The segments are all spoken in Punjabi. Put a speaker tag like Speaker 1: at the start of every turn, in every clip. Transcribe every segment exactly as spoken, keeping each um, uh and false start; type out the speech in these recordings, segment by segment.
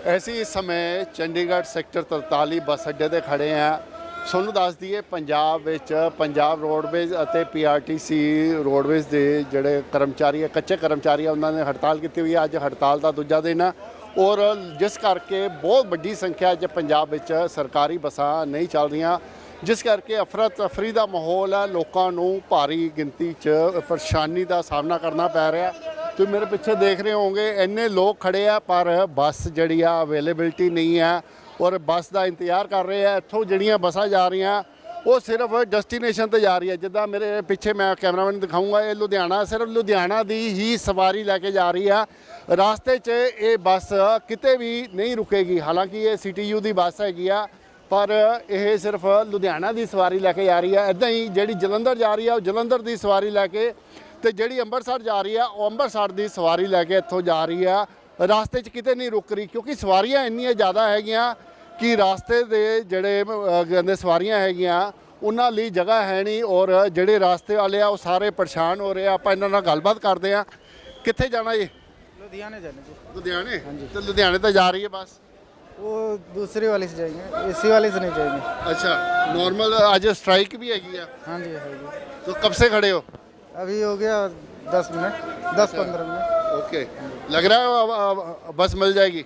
Speaker 1: ਅਸੀਂ ਇਸ ਸਮੇਂ ਚੰਡੀਗੜ੍ਹ ਸੈਕਟਰ ਤਰਤਾਲੀ ਬੱਸ ਅੱਡੇ ਤੇ ਖੜੇ ਹਾਂ। ਤੁਹਾਨੂੰ ਦੱਸ ਦਈਏ ਪੰਜਾਬ ਵਿੱਚ ਪੰਜਾਬ ਰੋਡਵੇਜ਼ ਅਤੇ ਪੀਆਰਟੀਸੀ ਰੋਡਵੇਜ਼ ਦੇ ਜਿਹੜੇ ਕਰਮਚਾਰੀ ਆ, ਕੱਚੇ ਕਰਮਚਾਰੀ ਆ, ਉਹਨਾਂ ਨੇ ਹੜਤਾਲ ਕੀਤੀ ਹੋਈ ਹੈ। ਅੱਜ ਹੜਤਾਲ ਦਾ ਦੂਜਾ ਦਿਨ ਹੈ ਔਰ ਜਿਸ ਕਰਕੇ ਬਹੁਤ ਵੱਡੀ ਸੰਖਿਆ 'ਚ ਪੰਜਾਬ ਵਿੱਚ ਸਰਕਾਰੀ ਬੱਸਾਂ ਨਹੀਂ ਚੱਲ ਰਹੀਆਂ, ਜਿਸ ਕਰਕੇ ਅਫਰਾ ਤਫਰੀ ਦਾ ਮਾਹੌਲ ਹੈ। ਲੋਕਾਂ ਨੂੰ ਭਾਰੀ ਗਿਣਤੀ 'ਚ ਪਰੇਸ਼ਾਨੀ ਦਾ ਸਾਹਮਣਾ ਕਰਨਾ ਪੈ ਰਿਹਾ। ਤੁਸੀਂ ਮੇਰੇ ਪਿੱਛੇ ਦੇਖ ਰਹੇ ਹੋਵੋਗੇ ਇੰਨੇ ਲੋਕ ਖੜੇ ਆ, ਪਰ ਬੱਸ ਜਿਹੜੀ ਆ ਅਵੇਲੇਬਿਲਟੀ ਨਹੀਂ ਹੈ ਔਰ ਬੱਸ ਦਾ ਇੰਤਜ਼ਾਰ ਕਰ ਰਹੇ ਆ। ਇੱਥੋਂ ਜਿਹੜੀਆਂ ਬੱਸਾਂ ਜਾ ਰਹੀਆਂ ਉਹ ਸਿਰਫ ਡੈਸਟੀਨੇਸ਼ਨ ਤੇ ਜਾ ਰਹੀ ਹੈ। ਜਿੱਦਾਂ ਮੇਰੇ ਪਿੱਛੇ ਮੈਂ ਕੈਮਰਾਮੈਨ ਦਿਖਾਊਂਗਾ, ਇਹ ਲੁਧਿਆਣਾ, ਸਿਰਫ ਲੁਧਿਆਣਾ ਦੀ ਹੀ ਸਵਾਰੀ ਲੈ ਕੇ ਜਾ ਰਹੀ ਆ। ਰਾਸਤੇ 'ਚ ਇਹ ਬੱਸ ਕਿਤੇ ਵੀ ਨਹੀਂ ਰੁਕੇਗੀ। ਹਾਲਾਂਕਿ ਇਹ ਸੀ ਟੀ ਯੂ ਦੀ ਬੱਸ ਹੈਗੀ ਆ, ਪਰ ਇਹ ਸਿਰਫ ਲੁਧਿਆਣਾ ਦੀ ਸਵਾਰੀ ਲੈ ਕੇ ਜਾ ਰਹੀ ਹੈ। ਇੱਦਾਂ ਹੀ ਜਿਹੜੀ ਜਲੰਧਰ ਜਾ ਰਹੀ ਆ ਉਹ ਜਲੰਧਰ ਦੀ ਸਵਾਰੀ ਲੈ ਕੇ, ਤੇ ਜਿਹੜੀ ਅੰਮ੍ਰਿਤਸਰ ਜਾ ਰਹੀ ਆ ਉਹ ਅੰਮ੍ਰਿਤਸਰ ਦੀ ਸਵਾਰੀ ਲੈ ਕੇ ਇੱਥੋਂ ਜਾ ਰਹੀ ਆ। ਰਾਸਤੇ 'ਚ ਕਿਤੇ ਨਹੀਂ ਰੁਕ ਰਹੀ, ਕਿਉਂਕਿ ਸਵਾਰੀਆਂ ਇੰਨੀਆਂ ਜ਼ਿਆਦਾ ਹੈਗੀਆਂ ਕਿ ਰਾਸਤੇ ਦੇ ਜਿਹੜੇ ਕਹਿੰਦੇ ਸਵਾਰੀਆਂ ਹੈਗੀਆਂ ਉਹਨਾਂ ਲਈ ਜਗ੍ਹਾ ਹੈ ਨਹੀਂ, ਔਰ ਜਿਹੜੇ ਰਾਸਤੇ ਵਾਲੇ ਆ ਉਹ ਸਾਰੇ ਪਰੇਸ਼ਾਨ ਹੋ ਰਹੇ ਆ। ਆਪਾਂ ਇਹਨਾਂ ਨਾਲ ਗੱਲਬਾਤ ਕਰਦੇ ਆ। ਕਿੱਥੇ ਜਾਣਾ ਜੀ?
Speaker 2: लुधियाने जाने जी।
Speaker 1: लुधियाने? तो लुधियाने तो जा रही है बस?
Speaker 2: वो दूसरी वाली से जाएंगे, एसी वाली से नहीं जाएंगे।
Speaker 1: अच्छा, नॉर्मल आज स्ट्राइक भी हैगी है?
Speaker 2: हाँ जी है जी।
Speaker 1: तो कब से खड़े हो?
Speaker 2: अभी हो गया दस मिनट, दस पंद्रह मिनट।
Speaker 1: ओके, लग रहा है अब- अब बस मिल जाएगी?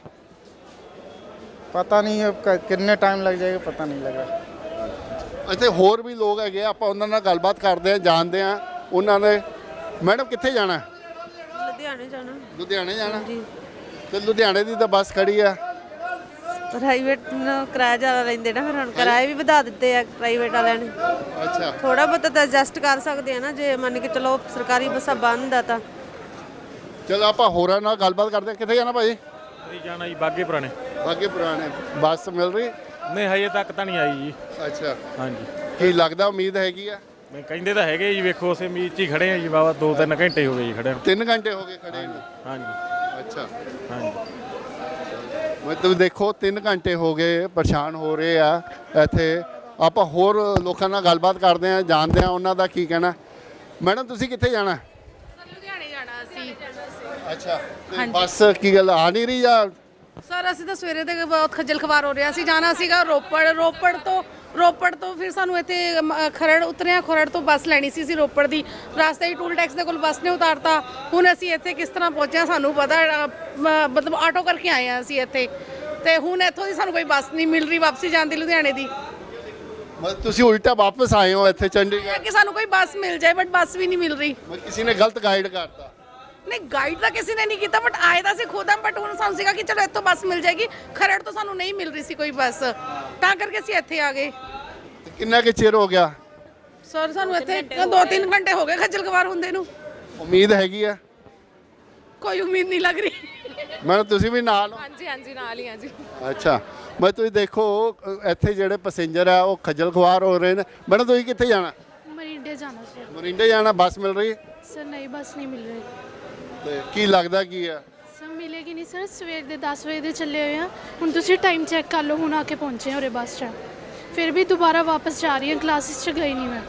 Speaker 2: पता नहीं है अब कितने टाइम लग जाएगा, पता नहीं लग रहा।
Speaker 1: ਇੱਥੇ ਹੋਰ ਵੀ ਲੋਕ ਹੈਗੇ ਆ, ਆਪਾਂ ਉਹਨਾਂ ਨਾਲ ਗੱਲਬਾਤ ਕਰਦੇ ਆ, ਜਾਣਦੇ ਆ ਉਹਨਾਂ ਨੇ। ਮੈਡਮ ਕਿੱਥੇ ਜਾਣਾ?
Speaker 3: ਲੁਧਿਆਣੇ ਜਾਣਾ।
Speaker 1: ਲੁਧਿਆਣੇ ਜਾਣਾ
Speaker 3: ਜੀ।
Speaker 1: ਤੇ ਲੁਧਿਆਣੇ ਦੀ ਤਾਂ ਬੱਸ ਖੜੀ ਆ।
Speaker 3: ਪ੍ਰਾਈਵੇਟ ਨੂੰ ਕਿਰਾਇਆ ਜ਼ਿਆਦਾ ਲੈਂਦੇ ਨਾ, ਫਿਰ ਹੁਣ ਕਿਰਾਏ ਵੀ ਵਧਾ ਦਿੱਤੇ ਆ ਪ੍ਰਾਈਵੇਟ ਵਾਲਿਆਂ ਨੇ।
Speaker 1: ਅੱਛਾ,
Speaker 3: ਥੋੜਾ ਬਹੁਤਾ ਤਾਂ ਐਡਜਸਟ ਕਰ ਸਕਦੇ ਆ ਨਾ, ਜੇ ਮੰਨ ਕੇ ਚਲੋ ਸਰਕਾਰੀ ਬੱਸਾਂ ਬੰਦ ਆ ਤਾਂ।
Speaker 1: ਚਲੋ ਆਪਾਂ ਹੋਰਾਂ ਨਾਲ ਗੱਲਬਾਤ ਕਰਦੇ ਆ। ਕਿੱਥੇ ਜਾਣਾ ਭਾਜੀ?
Speaker 4: ਅਸੀਂ ਜਾਣਾ ਜੀ ਬਾਗੇ ਪੁਰਾਣੇ।
Speaker 1: ਬਾਗੇ ਪੁਰਾਣੇ ਬੱਸ ਮਿਲ ਰਹੀ?
Speaker 4: ਨਹੀਂ ਹਜੇ ਤੱਕ ਤਾਂ ਨਹੀਂ ਆਈ ਜੀ।
Speaker 1: ਅੱਛਾ,
Speaker 4: ਹਾਂਜੀ,
Speaker 1: ਕੀ ਲੱਗਦਾ ਉਮੀਦ ਹੈਗੀ ਆ?
Speaker 4: ਮੈਂ ਕਹਿੰਦੇ ਤਾਂ ਹੈਗੇ ਜੀ, ਵੇਖੋ ਉਸੇ ਉਮੀਦ 'ਚ ਹੀ ਖੜੇ ਆ ਜੀ। ਬਾਬਾ ਦੋ ਤਿੰਨ ਘੰਟੇ ਹੋ ਗਏ ਜੀ ਖੜੇ ਨੂੰ।
Speaker 1: ਤਿੰਨ ਘੰਟੇ ਹੋ ਗਏ ਖੜੇ ਨੂੰ?
Speaker 4: ਹਾਂਜੀ
Speaker 1: ਅੱਛਾ,
Speaker 4: ਹਾਂਜੀ।
Speaker 1: ਮੈਂ ਤੁਸੀਂ ਦੇਖੋ ਤਿੰਨ ਘੰਟੇ ਹੋ ਗਏ, ਪਰੇਸ਼ਾਨ ਹੋ ਰਹੇ ਆ ਇੱਥੇ। ਆਪਾਂ ਹੋਰ ਲੋਕਾਂ ਨਾਲ ਗੱਲਬਾਤ ਕਰਦੇ ਆ, ਜਾਣਦੇ ਆ ਉਹਨਾਂ ਦਾ ਕੀ ਕਹਿਣਾ। ਮੈਡਮ ਤੁਸੀਂ ਕਿੱਥੇ ਜਾਣਾ?
Speaker 5: ਲੁਧਿਆਣੇ ਜਾਣਾ ਅਸੀਂ।
Speaker 1: ਅੱਛਾ, ਤੇ ਬੱਸ ਕੀ ਗੱਲ ਆ ਨਹੀਂ ਰਹੀ ਜਾਂ?
Speaker 5: ਸਰ ਅਸੀਂ ਤਾਂ ਸਵੇਰੇ ਦੇ ਬਹੁਤ ਖੱਜਲ ਖਵਾਰ ਹੋ ਰਿਹਾ ਸੀ। ਜਾਣਾ ਸੀਗਾ ਰੋਪੜ, ਰੋਪੜ ਤੋਂ ਰੋਪੜ ਤੋਂ ਫਿਰ ਸਾਨੂੰ ਇੱਥੇ ਅਮ, ਖਰੜ ਉਤਰਿਆ। ਖਰੜ ਤੋਂ ਬੱਸ ਲੈਣੀ ਸੀ ਅਸੀਂ ਰੋਪੜ ਦੀ। ਰਸਤੇ ਹੀ ਟੂਲ ਟੈਕਸ ਦੇ ਕੋਲ ਬੱਸ ਨੇ ਉਤਾਰਤਾ। ਹੁਣ ਅਸੀਂ ਇੱਥੇ ਕਿਸ ਤਰ੍ਹਾਂ ਪਹੁੰਚਿਆ ਸਾਨੂੰ ਪਤਾ, ਅ, ਮ- ਮਤਲਬ ਆਟੋ ਕਰਕੇ ਆਏ ਆ ਅਸੀਂ ਇੱਥੇ, ਤੇ ਹੁਣ ਇੱਥੋਂ ਦੀ ਸਾਨੂੰ ਕੋਈ ਬੱਸ ਨਹੀਂ ਮਿਲ ਰਹੀ ਵਾਪਸੀ ਜਾਣ ਦੀ ਲੁਧਿਆਣੇ ਦੀ।
Speaker 1: ਮਤਲਬ ਤੁਸੀਂ ਉਲਟਾ ਵਾਪਸ ਆਏ ਹੋ ਇੱਥੇ ਚੰਡੀਗੜ੍ਹ?
Speaker 5: ਕਿ ਸਾਨੂੰ ਕੋਈ ਬੱਸ ਮਿਲ ਜਾਏ, ਬਟ ਬੱਸ ਵੀ ਨਹੀਂ ਮਿਲ ਰਹੀ।
Speaker 1: ਮਤਲਬ ਕਿਸੇ ਨੇ ਗਲਤ ਗਾਈਡ ਕਰਤਾ?
Speaker 5: ਨਹੀਂ ਗਾਈਡ ਤਾਂ ਕਿਸੇ ਨੇ ਨਹੀਂ ਕੀਤਾ, ਬਟ ਆਏ ਤਾਂ ਅਸੀਂ ਖੁਦ ਆ। ਬਟ ਹੁਣ ਸਾਨੂੰ ਸੀਗਾ ਕਿ ਚਲੋ ਇੱਥੋਂ ਬੱਸ ਮਿਲ ਜਾਏਗੀ। ਖਰੜ ਤੋਂ ਸਾਨੂੰ ਨਹੀਂ ਮਿਲ ਰਹੀ ਸੀ ਕੋਈ ਬੱਸ, ਤਾਂ ਕਰਕੇ ਅਸੀਂ ਇੱਥੇ ਆ ਗਏ।
Speaker 1: ਤੇ ਕਿੰਨਾ ਕੁ ਚਿਰ ਹੋ ਗਿਆ?
Speaker 5: ਸਰ ਸਾਨੂੰ ਇੱਥੇ ਦੋ ਤਿੰਨ ਘੰਟੇ ਹੋ ਗਏ ਖੱਜਲ ਖਵਾਰ ਹੁੰਦੇ ਨੂੰ।
Speaker 1: ਉਮੀਦ ਹੈਗੀ ਆ?
Speaker 5: ਕੋਈ ਉਮੀਦ ਨਹੀਂ ਲੱਗ ਰਹੀ।
Speaker 1: ਮੈਡਮ ਤੁਸੀਂ ਵੀ ਨਾਲ ਹੋ?
Speaker 5: ਹਾਂਜੀ ਹਾਂਜੀ ਨਾਲ ਹੀ ਆ ਜੀ।
Speaker 1: ਅੱਛਾ, ਮੈਂ ਤੁਸੀਂ ਦੇਖੋ ਅ, ਇੱਥੇ ਜਿਹੜੇ ਪੈਸੇਂਜਰ ਆ ਉਹ ਖੱਜਲ ਖੁਆਰ ਹੋ ਰਹੇ ਨੇ। ਮੈਡਮ ਤੁਸੀਂ ਕਿੱਥੇ ਜਾਣਾ?
Speaker 6: ਮਰਿੰਡੇ ਜਾਣਾ ਸੀ
Speaker 1: ਮੋਰਿੰਡੇ ਜਾਣਾ, ਬੱਸ ਮਿਲ ਰਹੀ?
Speaker 6: ਸਰ। ਨਹੀਂ ਬੱਸ ਨਹੀਂ ਮਿਲ ਰਹੀ
Speaker 1: ਤੇ ਕੀ ਲੱਗਦਾ ਕੀ ਆ?
Speaker 6: ਸਰ। ਮਿਲੇਗੀ ਨਹੀਂ ਸਰ। ਸਵੇਰ ਦੇ ਦਸ ਵਜੇ ਦੇ ਚੱਲੇ ਹੋਏ ਆ। ਹੁਣ ਤੁਸੀਂ ਟਾਈਮ ਚੈੱਕ ਕਰ ਲਓ, ਹੁਣ ਆ ਕੇ ਪਹੁੰਚੇ ਹਾਂ ਉਰੇ ਬੱਸ ਸਟੈਂਡ। ਫਿਰ ਵੀ ਦੁਬਾਰਾ ਵਾਪਸ ਜਾ ਰਹੀ ਹਾਂ, ਕਲਾਸਿਸ 'ਚ ਗਈ ਨਹੀਂ ਮੈਂ।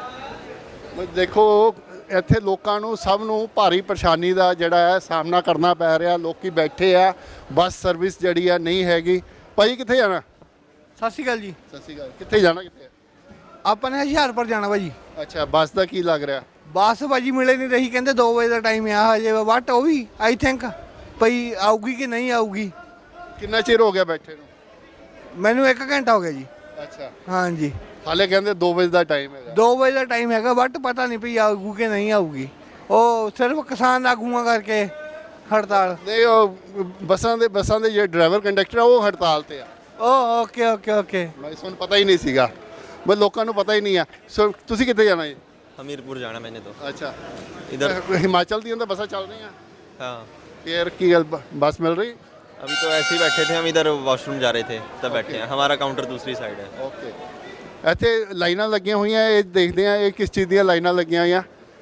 Speaker 1: ਮੈਂ ਦੇਖੋ ਇੱਥੇ ਲੋਕਾਂ ਨੂੰ ਸਭ ਨੂੰ ਭਾਰੀ ਪਰੇਸ਼ਾਨੀ ਦਾ ਜਿਹੜਾ ਹੈ ਸਾਹਮਣਾ ਕਰਨਾ ਪੈ ਰਿਹਾ। ਲੋਕੀ ਬੈਠੇ ਆ, ਬੱਸ ਸਰਵਿਸ ਜਿਹੜੀ ਆ ਨਹੀਂ ਹੈਗੀ। ਭਾਈ ਕਿੱਥੇ ਜਾਣਾ?
Speaker 2: ਸਤਿ ਸ਼੍ਰੀ ਅਕਾਲ ਜੀ।
Speaker 1: ਸਤਿ ਸ਼੍ਰੀ ਅਕਾਲ। ਕਿੱਥੇ ਜਾਣਾ? ਕਿੱਥੇ?
Speaker 2: ਆਪਾਂ ਨੇ ਹੁਸ਼ਿਆਰਪੁਰ ਜਾਣਾ ਭਾਜੀ।
Speaker 1: ਅੱਛਾ, ਬੱਸ ਦਾ ਕੀ ਲੱਗ ਰਿਹਾ?
Speaker 2: ਬੱਸ ਭਾਜੀ ਮਿਲੇ ਨਹੀਂ ਰਹੀ, ਕਹਿੰਦੇ ਦੋ ਵਜੇ ਦਾ ਟਾਈਮ ਆ ਹਜੇ, ਬਟ ਉਹ ਵੀ ਆਈ ਥਿੰਕ ਭਈ ਆਊਗੀ ਕਿ ਨਹੀਂ ਆਊਗੀ।
Speaker 1: ਕਿੰਨਾ ਚਿਰ ਹੋ ਗਿਆ ਬੈਠੇ ਨੂੰ?
Speaker 2: ਮੈਨੂੰ ਇੱਕ ਘੰਟਾ ਹੋ ਗਿਆ ਜੀ।
Speaker 1: ਅੱਛਾ,
Speaker 2: ਹਾਂਜੀ,
Speaker 1: ਹਾਲੇ ਕਹਿੰਦੇ ਦੋ ਵਜੇ ਦਾ ਟਾਈਮ ਹੈਗਾ।
Speaker 2: ਦੋ ਵਜੇ ਦਾ ਟਾਈਮ ਹੈਗਾ, ਬਟ ਪਤਾ ਨਹੀਂ ਭਈ ਆਊਗੀ ਕਿ ਨਹੀਂ ਆਊਗੀ। ਉਹ ਸਿਰਫ ਕਿਸਾਨ ਆਗੂਆਂ ਕਰਕੇ ਹੜਤਾਲ।
Speaker 1: ਨਹੀਂ, ਉਹ ਬੱਸਾਂ ਦੇ ਬੱਸਾਂ ਦੇ ਜਿਹੜੇ ਡਰਾਈਵਰ ਕੰਡਕਟਰ ਆ ਉਹ ਹੜਤਾਲ ਤੇ ਆ।
Speaker 2: Oh okay okay okay.
Speaker 1: ਮੈਂ ਤੁਹਾਨੂੰ ਪਤਾ ਹੀ ਨਹੀਂ ਸੀਗਾ, ਬਸ ਲੋਕਾਂ ਨੂੰ ਪਤਾ ਹੀ ਨਹੀਂ ਆ। ਸੋ ਤੁਸੀਂ ਕਿੱਥੇ ਜਾਣਾ ਜੀ?
Speaker 7: हमीरपुर जाना मैंने तो
Speaker 1: ਅੱਛਾ,
Speaker 7: इधर।
Speaker 1: ਹਿਮਾਚਲ ਦੀਆਂ ਤਾਂ ਬੱਸਾਂ ਚੱਲ ਰਹੀਆਂ?
Speaker 7: हाँ
Speaker 1: ਯਾਰ ਕੀ ਗੱਲ, ਬ- ਬੱਸ ਮਿਲ ਰਹੀ?
Speaker 7: अभी तो ऐसे ही बैठे थे हम, इधर वॉशरूम जा रहे थे तब बैठे हैं। हमारा काउंटर दूसरी साइड है।
Speaker 1: ਓਕੇ, ਇੱਥੇ ਲਾਈਨਾਂ ਲੱਗੀਆਂ ਹੋਈਆਂ, ਇਹ ਦੇਖਦੇ ਆ ਇਹ ਕਿਸ ਚੀਜ਼ ਦੀਆਂ ਲਾਈਨਾਂ ਲੱਗੀਆਂ ਹੋਈਆਂ।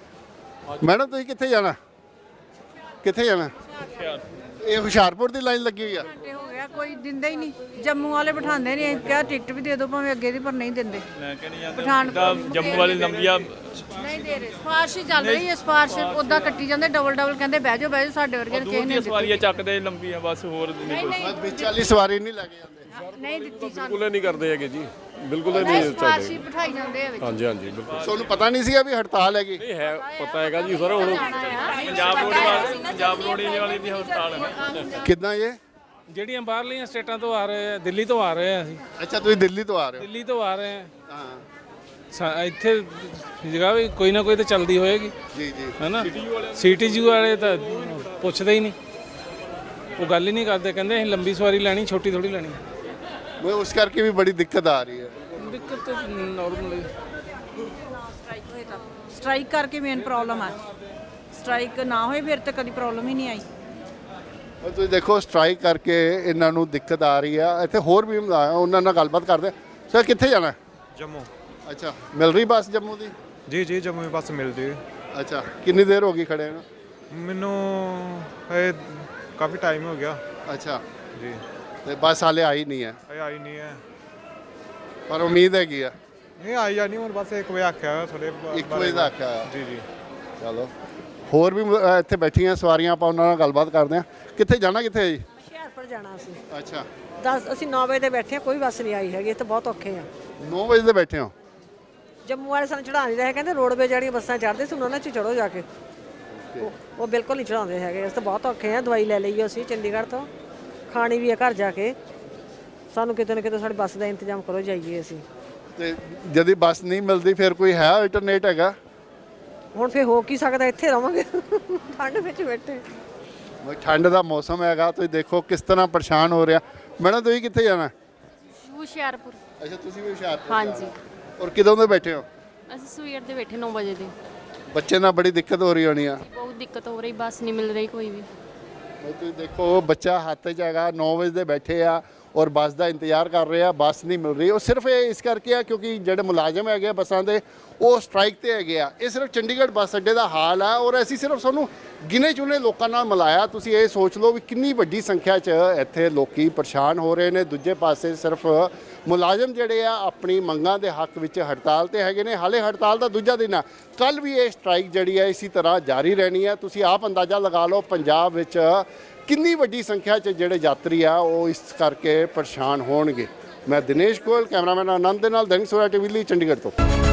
Speaker 1: ਮੈਡਮ ਤੁਸੀਂ ਕਿੱਥੇ ਜਾਣਾ? ਕਿੱਥੇ ਜਾਣਾ? ਇਹ ਹੁਸ਼ਿਆਰਪੁਰ ਦੀ ਲਾਈਨ ਲੱਗੀ ਹੋਈ ਆ?
Speaker 3: ਘੰਟੇ ਹੋ ਗਏ
Speaker 8: ਰਿਹਾ ਕੋਈ ਦਿੰਦਾ ਹੀ ਨਹੀਂ। ਜੰਮੂ ਵਾਲੇ ਬਿਠਾਉਂਦੇ ਨਹੀਂ, ਕਿਹਾ ਟਿਕਟ ਵੀ ਦੇ ਦਿਓ ਭਾਵੇਂ ਅੱਗੇ ਦੀ, ਪਰ ਨਹੀਂ ਦਿੰਦੇ।
Speaker 4: ਮੈਂ ਕਹਿੰਦੀ ਆ
Speaker 8: ਪਠਾਨਕੋਟ
Speaker 4: ਜੰਮੂ ਵਾਲੀ ਲੰਬੀਆਂ
Speaker 8: ਨਹੀਂ ਦੇ ਰਹੇ। ਸਿਫਾਰਿਸ਼ ਹੀ ਚੱਲ ਰਹੀ ਹੈ, ਸਿਫਾਰਿਸ਼ ਉਦਾਂ ਕੱਟੀ ਜਾਂਦੇ ਡਬਲ ਡਬਲ, ਕਹਿੰਦੇ ਬਹਿ ਜਾਓ ਬਹਿ ਜਾਓ, ਸਾਡੇ ਵਰਗੇ ਨੇ ਕਿਸੇ
Speaker 4: ਦੂਰ
Speaker 8: ਨੇ
Speaker 4: ਦੀਆਂ ਸਵਾਰੀਆਂ ਚੱਕਦੇ ਲੰਬੀਆਂ ਬਸ, ਹੋਰ ਨਹੀਂ ਕੋਈ
Speaker 1: ਬਸ ਵਿੱਚ ਵਾਲੀ ਸਵਾਰੀ ਨਹੀਂ ਲੈ ਕੇ ਜਾਂਦੇ।
Speaker 8: ਨਹੀਂ ਦਿੱਤੀ ਸਾਨੂੰ।
Speaker 9: ਬਿਲਕੁਲ ਨਹੀਂ ਕਰਦੇ ਹੈਗੇ ਜੀ, ਬਿਲਕੁਲ ਹੀ
Speaker 8: ਨਹੀਂ
Speaker 9: ਨਹੀਂ
Speaker 8: ਸਿਫਾਰਿਸ਼ ਹੀ
Speaker 9: ਚੱਲਦੇ।
Speaker 8: ਬਿਠਾਈ ਜਾਂਦੇ ਆ ਵਿੱਚ।
Speaker 9: ਹਾਂਜੀ ਹਾਂਜੀ ਬਿਲਕੁਲ
Speaker 1: ਤੁਹਾਨੂੰ ਪਤਾ ਨਹੀਂ ਸੀਗਾ ਵੀ ਹੜਤਾਲ ਹੈਗੀ?
Speaker 9: ਨਹੀਂ ਹੈ, ਪਤਾ ਹੈਗਾ ਜੀ ਸਰ। ਹੁਣ
Speaker 4: ਪੰਜਾਬ ਰੋਡ ਵਾਲੀ ਪੰਜਾਬ ਰੋਡ ਵਾਲੀ ਦੀ ਹੜਤਾਲ ਹੈ
Speaker 1: ਕਿੱਦਾਂ ਇਹ?
Speaker 4: ਜਿਹੜੀਆਂ ਬਾਹਰਲੀਆਂ ਸਟੇਟਾਂ ਤੋਂ ਆ ਰਹੇ ਆ, ਦਿੱਲੀ ਤੋਂ ਆ ਰਹੇ ਆ ਅਸੀਂ,
Speaker 1: ਅੱਛਾ ਤੁਸੀਂ ਦਿੱਲੀ ਤੋਂ ਆ ਰਹੇ ਹੋ?
Speaker 4: ਦਿੱਲੀ ਤੋਂ ਆ ਰਹੇ ਆ।
Speaker 1: ਹਾਂ
Speaker 4: ਸਾ- ਇੱਥੇ ਜਗ੍ਹਾ ਵੀ ਕੋਈ ਨਾ ਕੋਈ ਤਾਂ ਚੱਲਦੀ ਹੋਏਗੀ,
Speaker 1: ਜੀ ਜੀ।
Speaker 4: ਹੈ ਨਾ। ਸਿਟੀ ਜੂ ਵਾਲੇ ਤਾਂ ਪੁੱਛਦੇ ਹੀ ਨਹੀਂ, ਉਹ ਗੱਲ ਹੀ ਨਹੀਂ ਕਰਦੇ, ਕਹਿੰਦੇ ਅਸੀਂ ਲੰਬੀ ਸਵਾਰੀ ਲੈਣੀ, ਛੋਟੀ ਥੋੜੀ ਲੈਣੀ।
Speaker 1: ਮੈਂ ਉਸ ਕਰਕੇ ਵੀ ਬੜੀ ਦਿੱਕਤ ਆ ਰਹੀ ਹੈ।
Speaker 4: ਦਿੱਕਤ ਤਾਂ ਨਾਰਮਲੀ
Speaker 8: ਸਟ੍ਰਾਈਕ ਕਰਕੇ ਮੇਨ ਪ੍ਰੋਬਲਮ ਹੈ। ਸਟ੍ਰਾਈਕ ਨਾ ਹੋਏ ਫਿਰ ਤਾਂ ਕਦੀ ਪ੍ਰੋਬਲਮ ਹੀ ਨਹੀਂ ਆਈ।
Speaker 1: ਔਰ ਤੁਸੀਂ ਦੇਖੋ ਸਟ੍ਰਾਈਕ ਕਰਕੇ ਇਹਨਾਂ ਨੂੰ ਦਿੱਕਤ ਆ ਰਹੀ ਆ। ਇੱਥੇ ਹੋਰ ਵੀ ਆ, ਉਹਨਾਂ ਨਾਲ ਗੱਲਬਾਤ ਕਰਦੇ ਆ। ਸਰ ਕਿੱਥੇ ਜਾਣਾ?
Speaker 10: ਜੰਮੂ।
Speaker 1: ਅੱਛਾ ਮਿਲ ਰਹੀ ਬੱਸ ਜੰਮੂ ਦੀ?
Speaker 10: ਜੀ ਜੀ ਜੰਮੂ ਬੱਸ ਮਿਲਦੀ ਹੈ।
Speaker 1: ਅੱਛਾ ਕਿੰਨੀ ਦੇਰ ਹੋ ਗਈ ਖੜੇ ਨੂੰ?
Speaker 10: ਮੈਨੂੰ ਇਹ ਕਾਫੀ ਟਾਈਮ ਹੋ ਗਿਆ
Speaker 1: ਅੱਛਾ
Speaker 10: ਜੀ।
Speaker 1: ਤੇ ਬੱਸ ਹਾਲੇ ਆਈ ਨਹੀਂ ਹੈ,
Speaker 10: ਇਹ ਆਈ ਨਹੀਂ ਹੈ।
Speaker 1: ਪਰ ਉਮੀਦ ਹੈਗੀ ਆ।
Speaker 10: ਨਹੀਂ ਆਈ ਜਾਣੀ ਹੁਣ, ਬਸ ਇੱਕ ਵਜੇ ਆਖਿਆ ਹੋਇਆ ਥੋੜੇ
Speaker 1: ਇੱਕ ਵਜੇ ਦਾ ਆਖਿਆ ਹੋਇਆ।
Speaker 10: ਜੀ ਜੀ।
Speaker 1: ਚਲੋ ਹੋਰ ਵੀ ਅ, ਇੱਥੇ ਬੈਠੀਆਂ ਸਵਾਰੀਆਂ, ਆਪਾਂ ਉਹਨਾਂ ਨਾਲ ਗੱਲਬਾਤ ਕਰਦੇ ਆ। ਕਿੱਥੇ ਜਾਣਾ, ਕਿੱਥੇ ਹੈ ਜੀ?
Speaker 11: ਹੁਸ਼ਿਆਰਪੁਰ ਜਾਣਾ ਸੀ।
Speaker 1: ਅੱਛਾ
Speaker 11: ਦਸ ਅਸੀਂ ਨੌ ਵਜੇ ਦੇ ਬੈਠੇ ਹਾਂ, ਕੋਈ ਬੱਸ ਨਹੀਂ ਆਈ ਹੈਗੀ, ਇਹ ਤਾਂ ਬਹੁਤ ਔਖੇ ਆ।
Speaker 1: ਨੌ ਵਜੇ ਦੇ ਬੈਠੇ ਹੋ?
Speaker 11: ਜੰਮੂ ਵਾਲੇ ਸਾਨੂੰ ਚੜ੍ਹਾ ਨਹੀਂ ਰਹੇ, ਕਹਿੰਦੇ ਰੋਡਵੇਜ਼ ਜਿਹੜੀਆਂ ਬੱਸਾਂ ਚੜ੍ਹਦੇ ਸੀ ਉਹਨਾਂ 'ਚ ਚੜ੍ਹੋ ਜਾ ਕੇ। ਉਹ- ਉਹ ਬਿਲਕੁਲ ਨਹੀਂ ਚੜ੍ਹਾਉਂਦੇ ਹੈਗੇ। ਅਸੀਂ ਤਾਂ ਬਹੁਤ ਔਖੇ ਆ। ਦਵਾਈ ਲੈ ਲਈ ਅਸੀਂ ਚੰਡੀਗੜ੍ਹ ਤੋਂ, ਖਾਣੀ ਵੀ ਆ ਘਰ ਜਾ ਕੇ। ਸਾਨੂੰ ਕਿਤੇ ਨਾ ਕਿਤੇ ਸਾਡੀ ਬੱਸ ਦਾ ਇੰਤਜ਼ਾਮ ਕਰੋ, ਜਾਈਏ ਅਸੀਂ।
Speaker 1: ਤੇ ਜਦ ਬੱਸ ਨਹੀਂ ਮਿਲਦੀ ਫਿਰ ਕੋਈ ਹੈ ਅਲਟਰਨੇਟ ਹੈਗਾ?
Speaker 11: ਹੁਣ ਫਿਰ ਹੋ ਕੀ ਸਕਦਾ, ਇੱਥੇ ਰਵਾਂਗੇ ਠੰਡ ਵਿੱਚ ਬੈਠੇ।
Speaker 1: ਬਈ ਠੰਡ ਦਾ ਮੌਸਮ ਹੈਗਾ, ਤੁਸੀਂ ਦੇਖੋ ਕਿਸ ਤਰ੍ਹਾਂ ਪਰੇਸ਼ਾਨ ਹੋ ਰਿਹਾ। ਮੈਡਮ ਤੁਸੀਂ ਕਿੱਥੇ ਜਾਣਾ?
Speaker 6: ਹੁਸ਼ਿਆਰਪੁਰ।
Speaker 1: ਅੱਛਾ ਤੁਸੀਂ ਵੀ ਹੁਸ਼ਿਆਰਪੁਰ?
Speaker 6: ਹਾਂਜੀ।
Speaker 1: ਔਰ ਕਿਦੋਂ ਦੇ ਬੈਠੇ ਹੋ?
Speaker 6: ਅਸੀਂ ਸਵੇਰ ਦੇ ਬੈਠੇ ਨੌ ਵਜੇ ਦੇ।
Speaker 1: ਬੱਚੇ ਨਾਲ ਬੜੀ ਦਿੱਕਤ ਹੋ ਰਹੀ ਹੋਣੀ ਆ।
Speaker 6: ਬਹੁਤ ਦਿੱਕਤ ਹੋ ਰਹੀ, ਬੱਸ ਨਹੀਂ ਮਿਲ ਰਹੀ ਕੋਈ ਵੀ।
Speaker 1: ਬਈ ਤੁਸੀਂ ਦੇਖੋ ਬੱਚਾ ਹੱਥ 'ਚ ਹੈਗਾ, ਨੌ ਵਜੇ ਦੇ ਬੈਠੇ ਆ ਔਰ ਬੱਸ ਦਾ ਇੰਤਜ਼ਾਰ ਕਰ ਰਹੇ ਆ, ਬੱਸ ਨਹੀਂ ਮਿਲ ਰਹੀ। ਉਹ ਸਿਰਫ ਇਹ ਇਸ ਕਰਕੇ ਆ ਕਿਉਂਕਿ ਜਿਹੜੇ ਮੁਲਾਜ਼ਮ ਹੈਗੇ ਆ ਬੱਸਾਂ ਦੇ, ਉਹ ਸਟ੍ਰਾਈਕ ਤੇ ਹੈਗੇ ਆ। ਇਹ ਸਿਰਫ ਚੰਡੀਗੜ੍ਹ ਬੱਸ ਅੱਡੇ ਦਾ ਹਾਲ ਆ ਔਰ ਅਸੀਂ ਸਿਰਫ ਸਾਨੂੰ ਗਿਨੇ ਚੁਣੇ ਲੋਕਾਂ ਨਾਲ ਮਿਲਾਇਆ। ਤੁਸੀਂ ਇਹ ਸੋਚ ਲਓ ਵੀ ਕਿੰਨੀ ਵੱਡੀ ਸੰਖਿਆ 'ਚ ਇੱਥੇ ਲੋਕੀ ਪਰੇਸ਼ਾਨ ਹੋ ਰਹੇ ਨੇ। ਦੂਜੇ ਪਾਸੇ ਸਿਰਫ ਮੁਲਾਜ਼ਮ ਜਿਹੜੇ ਆ ਆਪਣੀ ਮੰਗਾਂ ਦੇ ਹੱਕ ਵਿੱਚ ਹੜਤਾਲ ਤੇ ਹੈਗੇ ਨੇ। ਹਾਲੇ ਹੜਤਾਲ ਦਾ ਦੂਜਾ ਦਿਨ ਆ, ਕੱਲ ਵੀ ਇਹ ਸਟ੍ਰਾਈਕ ਜਿਹੜੀ ਹੈ ਇਸੇ ਤਰ੍ਹਾਂ ਜਾਰੀ ਰਹਿਣੀ ਹੈ। ਤੁਸੀਂ ਆਪ ਅੰਦਾਜ਼ਾ ਲਗਾ ਲਓ ਪੰਜਾਬ ਵਿੱਚ ਕਿੰਨੀ ਵੱਡੀ ਸੰਖਿਆ 'ਚ ਜਿਹੜੇ ਯਾਤਰੀ ਆ ਉਹ ਇਸ ਕਰਕੇ ਪਰੇਸ਼ਾਨ ਹੋਣਗੇ। ਮੈਂ ਦਿਨੇਸ਼ ਗੋਇਲ, ਕੈਮਰਾਮੈਨ ਆਨੰਦ ਦੇ ਨਾਲ, ਦੈਨਿਕ ਸਵੇਰਾ ਟੀਵੀ ਲਈ ਚੰਡੀਗੜ੍ਹ ਤੋਂ।